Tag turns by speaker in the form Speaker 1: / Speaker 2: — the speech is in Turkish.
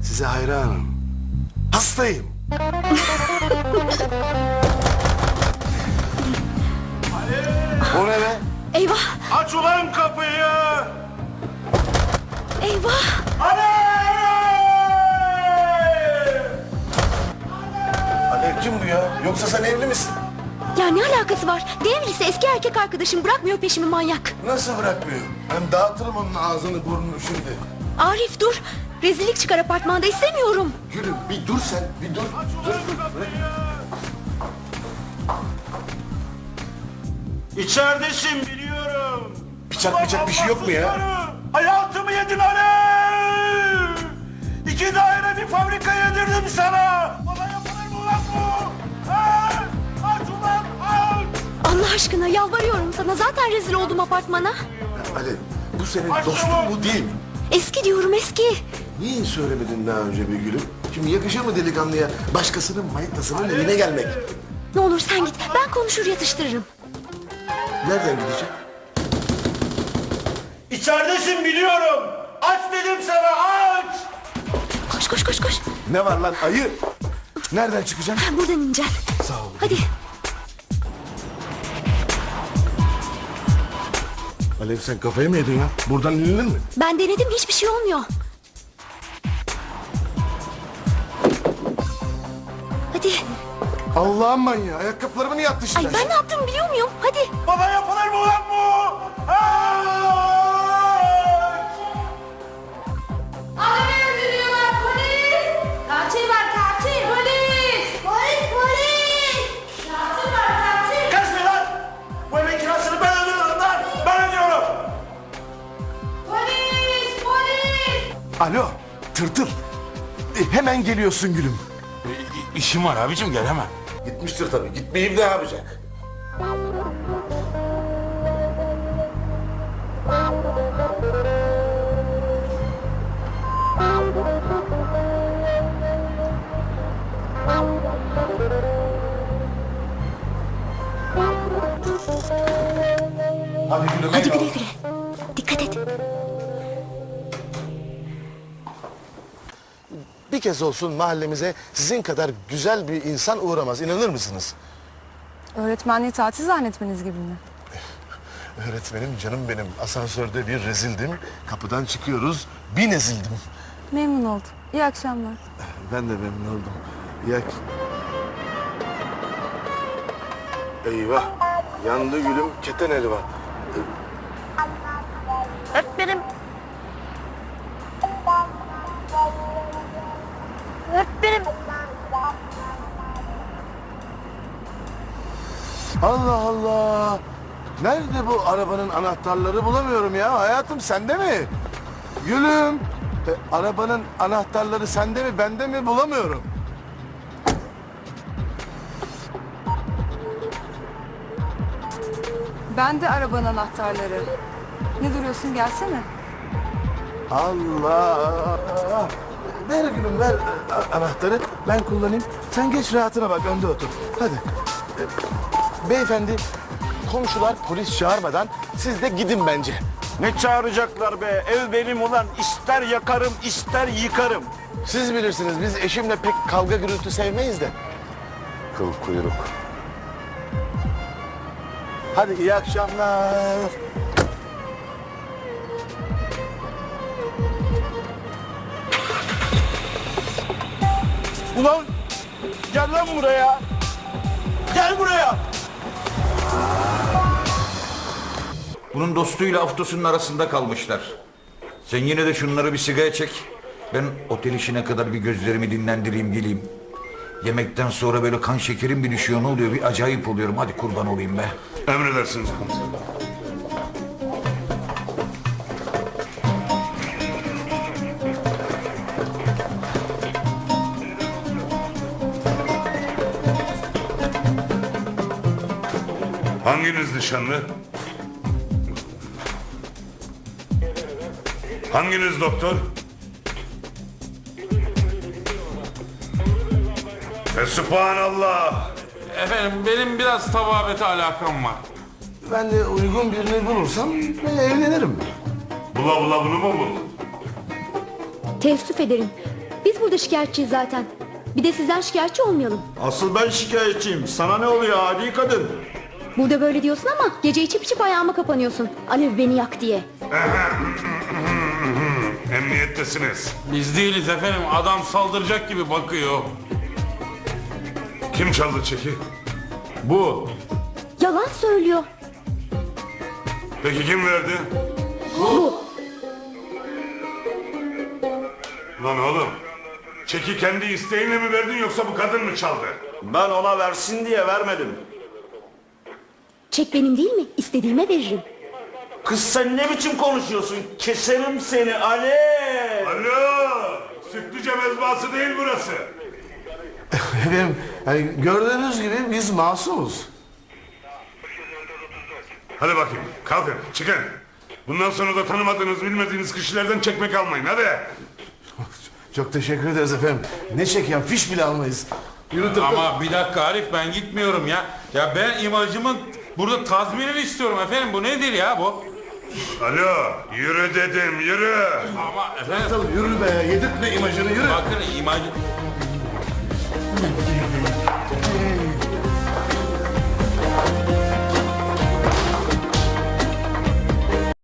Speaker 1: Size hayranım. Hastayım. O ne be?
Speaker 2: Eyvah!
Speaker 3: Aç ulan kapıyı!
Speaker 2: Eyvah!
Speaker 1: Alev kim bu ya? Yoksa sen evli misin?
Speaker 2: Ya ne alakası var? Ne evlisi, eski erkek arkadaşım, bırakmıyor peşimi manyak.
Speaker 1: Nasıl bırakmıyor? Ben dağıtırım onun ağzını burnunu şimdi.
Speaker 2: Arif dur! Rezillik çıkar apartmanda, istemiyorum.
Speaker 1: Gülüm bir dur sen, bir dur. Dur.
Speaker 3: İçeridesin biliyorum.
Speaker 1: Bıçak bir şey yok mu ya?
Speaker 3: Hayatımı yedin Alev! 2 daire bir fabrika yedirdim sana! Bana yapılır mı lan bu? Ha? Aç ulan aç!
Speaker 2: Allah aşkına yalvarıyorum sana, zaten rezil oldum apartmana.
Speaker 1: Alev, bu senin dostun bu değil mi?
Speaker 2: Eski diyorum, eski.
Speaker 1: Niye söylemedin daha önce be gülüm? Şimdi yakışır mı delikanlıya başkasının maytasının evine gelmek?
Speaker 2: Ne olur sen git, ben konuşur yatıştırırım.
Speaker 1: Nereden gidecek?
Speaker 3: İçeridesin biliyorum. Aç dedim sana aç!
Speaker 2: Koş koş koş koş.
Speaker 1: Ne var lan ayı? Nereden çıkacaksın?
Speaker 2: Ben buradan ineceğim.
Speaker 1: Sağ ol.
Speaker 2: Hadi.
Speaker 1: Alev sen kafayı mı yedin ya? Buradan inilir mi?
Speaker 2: Ben denedim, hiçbir şey olmuyor. Hadi.
Speaker 1: Allah'ım manyağı. Ayakkabılarımı niye attı
Speaker 2: Ay
Speaker 1: şimdi?
Speaker 2: ben ne yaptım biliyor muyum? Hadi.
Speaker 3: Bana yapılır mı lan bu? Aç!
Speaker 4: Adamı öldürüyorlar, polis! Katil var, katil! Polis! Polis, polis! Katil var, katil!
Speaker 3: Kaçma lan! Bu evin kirasını ben ödüyorum lan! Ben ödüyorum!
Speaker 4: Polis, polis!
Speaker 1: Alo tırtıl. Hemen geliyorsun gülüm.
Speaker 5: İşim var abicim, gelemem.
Speaker 1: Gitmiştir tabii. Gitmeyeyim ne yapacak? Hadi gülüm.
Speaker 2: Hadi
Speaker 1: eyvallah.
Speaker 2: güle güle. Dikkat et.
Speaker 1: Bir kez olsun mahallemize sizin kadar güzel bir insan uğramaz. İnanır mısınız?
Speaker 6: Öğretmenliği tatil zannetmeniz gibi mi?
Speaker 1: Öğretmenim canım benim. Asansörde bir rezildim. Kapıdan çıkıyoruz. Bir ezildim.
Speaker 6: Memnun oldum. İyi akşamlar.
Speaker 1: Ben de memnun oldum. Ya... Eyvah. Yandı gülüm. Keten helva.
Speaker 2: Öğretmenim. Öğretmenim.
Speaker 1: Allah Allah. Nerede bu arabanın anahtarları bulamıyorum ya. Hayatım sende mi? Gülüm. Arabanın anahtarları sende mi bende mi bulamıyorum.
Speaker 6: Ben de arabanın anahtarları. Ne duruyorsun, gelsene.
Speaker 1: Allah. Ver gülüm ver anahtarı. Ben kullanayım. Sen geç rahatına bak önde otur. Hadi. Beyefendi komşular polis çağırmadan siz de gidin bence.
Speaker 3: Ne çağıracaklar be? Ev benim ulan. İster yakarım, ister yıkarım.
Speaker 1: Siz bilirsiniz biz eşimle pek kavga gürültü sevmeyiz de. Kıl kuyruk. Hadi iyi akşamlar.
Speaker 3: Ulan gel lan buraya. Gel buraya.
Speaker 5: Bunun dostuyla Aftos'un arasında kalmışlar. Sen yine de şunları bir sigara çek. Ben otel işine kadar bir gözlerimi dinlendireyim geleyim. Yemekten sonra böyle kan şekerim bir düşüyor, ne oluyor, bir acayip oluyorum. Hadi kurban olayım be.
Speaker 3: Emredersiniz komiserim.
Speaker 7: Hanginiz nişanlı? Hanginiz doktor? Fesubhanallah.
Speaker 8: Efendim benim biraz tababete alakam var.
Speaker 1: Ben de uygun birini bulursam evlenirim.
Speaker 7: Bula bula bunu mu buldun?
Speaker 2: Teessüf ederim. Biz burada şikayetçiyiz zaten. Bir de sizden şikayetçi olmayalım.
Speaker 3: Asıl ben şikayetçiyim. Sana ne oluyor adi kadın?
Speaker 2: Burada böyle diyorsun ama gece içip içip ayağıma kapanıyorsun. Alev beni yak diye.
Speaker 8: Emniyettesiniz. Biz değiliz efendim. Adam saldıracak gibi bakıyor. Kim çaldı çeki? Bu.
Speaker 2: Yalan söylüyor.
Speaker 8: Peki kim verdi?
Speaker 2: Bu.
Speaker 8: Lan oğlum. Çeki kendi isteğinle mi verdin yoksa bu kadın mı çaldı?
Speaker 3: Ben ona versin diye vermedim.
Speaker 2: Çek benim değil mi? İstediğime veririm.
Speaker 3: Kız sen ne biçim konuşuyorsun? Keserim seni Alev.
Speaker 8: Alo. Sütlüce mezbahası değil burası.
Speaker 1: Efendim yani gördüğünüz gibi biz masumuz.
Speaker 8: Hadi bakayım kalkın çıkın. Bundan sonra da tanımadığınız bilmediğiniz kişilerden çekmek almayın hadi.
Speaker 1: Çok teşekkür ederiz efendim. Ne çeken fiş bile almayız. Yürü tıpkı.
Speaker 8: Ama bir dakika Arif ben gitmiyorum ya. Ya ben imajımın burada tazminini istiyorum efendim. Bu nedir ya bu? Alo yürü dedim yürü. Ama efendim
Speaker 1: Yürü be, yedirtme imajını, yürü.
Speaker 8: bakın imaj...